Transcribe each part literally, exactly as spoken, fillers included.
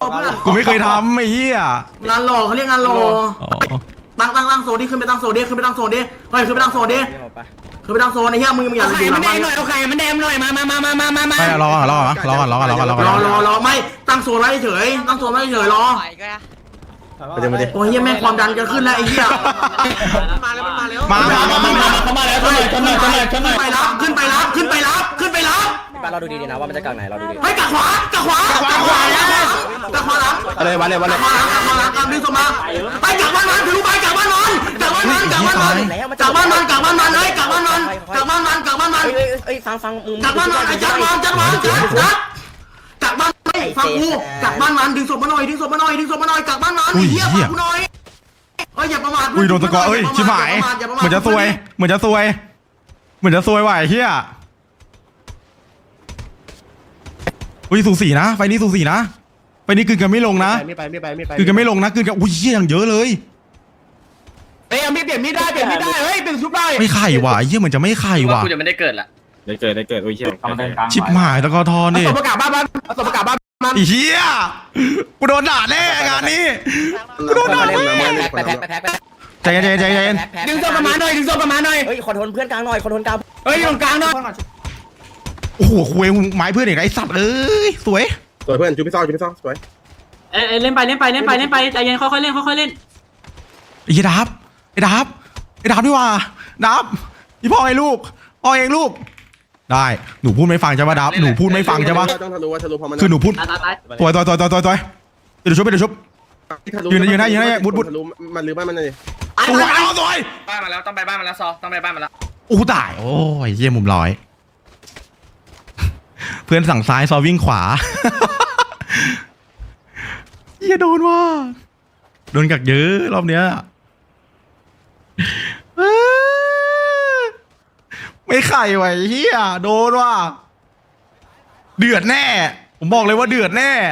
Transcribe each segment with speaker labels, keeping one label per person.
Speaker 1: เพื่อน
Speaker 2: กูไม่เคยทำไอ้เหี้ย
Speaker 1: งานหล่อเขาเรียกงานหล่อ
Speaker 2: อ๋อ
Speaker 1: ตั้งตั้งตั้งโซนดิขึ้นไปตั้งโซนดิขึ้นไปตั้งโซนดิเฮ้ยขึ้นไปตั้งโซนดิขึ้นไปตั้งโซนไอ้เหี้ยมึงมึงอย่าอยู่หลังบ้าน
Speaker 3: เอาไข่มันแดงหน่อยมามามามามามามา
Speaker 2: ไม่รอก่อนรอก่อนรอก่อนรอก่อนรอก่อนรอก่อน
Speaker 1: รอรอรอไม่ตั้งโซนไว้เฉยตั้งโซนไว้เฉยรอ
Speaker 4: เดี๋ยวมาดิ
Speaker 1: โอ้ยเหี้ยแม่งความดันจะขึ้นแล้วไอ้เหี้ย
Speaker 3: มาแล้วมาแล้ว
Speaker 2: มามามามามา
Speaker 3: เข้ามาแล้วชนหน่อยชนหน่อยชนหน่อยชนหน่อย
Speaker 1: ไปรับขึ้นไปรับขึ้นไปรับขึ้นไปรับ
Speaker 5: บ้านเราดูดีๆนะว่ามันจะกลางไหนเราดูดี
Speaker 1: เฮ้ยกักขวากักขวากักขวากักขวากักขวาหลัง
Speaker 4: อะไรวันเลยวันเลย
Speaker 1: กักขวาหลังกักขวาหลังกักดึงสมาไปกักบ้านมันถือไปกักบ้านมันกักบ้านมันกักบ้านมันกักบ้านมันกักบ้านมันเฮ้ยกักบ้านมันกักบ้านมันกักบ้านมัน
Speaker 5: เอ้ยเอ้ยฟังฟังมึง
Speaker 1: กักบ้านมันไอ้จักรมันจักรมันจักรจักรกักบ้านมันฟังกูกักบ้านมันดึงศพมาหน่อยดึงศพมาหน่อยดึงศพมาหน่อยกักบ้านมันเหี้ยฟังกูหน่อยเฮ้ยอย่าประมาท
Speaker 2: อุ้ยโดนตะกอเอ้ยชิบหายเหมือนจะซวยเหมือนจะซวยเหมือนจะซวยว่ะไอ้เหี้ยอุ้ยสูสีนะไฟนี้สูสีนะไฟนี้คืนกันไม่ลงนะ
Speaker 4: ไม่ไปไม่ไปไม่ไป
Speaker 2: คืนกันไม่ลงนะคืนกันอุ้ยเหี้ยอย่างเยอะเลย
Speaker 3: เฮ้ยมีเปลี่ยนมีดได้เปลี่ยนมีดได้เฮ้ยเปลี่ยนชุบได้
Speaker 2: ไม่ไข่ว่ะไอ้เหี้ยเหมือนจะไม่ไข่ว่ะ
Speaker 6: กูจะไม่ได้เกิดละ
Speaker 4: ได้เกิดได้เกิดโอ้ยเชี่ย
Speaker 2: ชิบหายตะกอทอน
Speaker 3: เอา
Speaker 2: ดิ
Speaker 3: ศพประกาศบ้านบ้านเอาศพประกาศบ้านบ้าน
Speaker 2: ไอ้เหี้ยกูโดนด่าแน่งานนี้กูโดนด่าแน่
Speaker 5: ไปแพ็คไปแพ็คไปแพ็ค
Speaker 2: ใจเย็นใจเย็นใจเย็น
Speaker 3: ดึงศพประมาณหน่อยดึงศพประมาณหน่อย
Speaker 5: เฮ้ยขอโทษเพื่อนกลางหน่อยขอโทษกลาง
Speaker 3: เฮ้ยตรงกลางเนาะ
Speaker 2: โอ้โหคุยไม้เพื่อนอีกไอ้สัตว์เอ้ยสวย
Speaker 4: สวยเพื่อนจูพี่ซอจูพี่ซอสวย
Speaker 1: เอ้ยเล่นไปเล่นไปเล่นไปเล่นไปใจเย็นค่อยๆเล่นค่อยๆเล่น
Speaker 2: ไอ้เหี้ยดับไอ้ดับไอ้ดับดีกว่าดับพี่พ่อไอ้ลูกพ่อเองลูกได้หนูพูดไม่ฟังใช่ปะดับหนูพูดไม่ฟังใช่ปะ
Speaker 4: ต้องทะลุว่าทะลุพอมัน
Speaker 2: คือหนูพูด
Speaker 1: ตายตายตาย
Speaker 2: ตัวตัวตัวตัวตัวตัวเดี๋ยวชุบเดี๋ยวชุบ ยืนยืนให้ยืนให้มุดมุด
Speaker 4: ทะลุมันลืมบ้านมันเลย
Speaker 2: สวยเอาสวย
Speaker 6: บ้านมาแล้วต้องไปบ้านมาแล้วซอต้องไปบ้านมาแล้ว
Speaker 2: โอ้ตายโอ้ยเยี่ยมุมร้อย เพื่อนสั่งซ้ายซอวิ่งขวา เยี่ยโดนว่ะโดนกักเยอะรอบเนี้ยไม่ไข่ไหวเฮียโดนว่ะเดือดแน่ ผมบอกเลยว่าเดือดแน่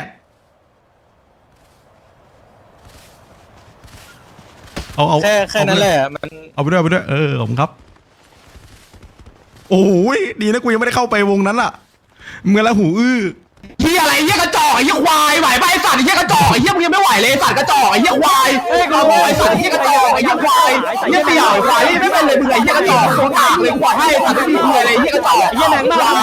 Speaker 2: เอาเอา
Speaker 7: แค่แค่นั้นแหละมัน
Speaker 2: เอาไปด้วยเอาไปด้วยเออผมครับโอ้ยดีนะกูยังไม่ได้เข้าไปวงนั้นล่ะเมื่อละหูอื้อ
Speaker 3: เฮียอะไรเฮียกระจอกไอ้เฮียควายไหวไปไอ้สัตว์ไอ้เฮียกระจอกไอ้เฮียมึงยังไม่ไหวเลยสัตว์กระจอกไอ้เฮียควายเฮ้ยกระโดดไอ้สัตว์ไอ้เฮียกระจอกไอ้เฮียควายเฮียเสี่ยวควายไม่เป็นเลยมึงไอ้เฮียกระจอกโคตรอ่างเลยควายให้สัตว์ไม่มีเลยไอ้เฮียกระจอกไอ้เฮียแหนงมาก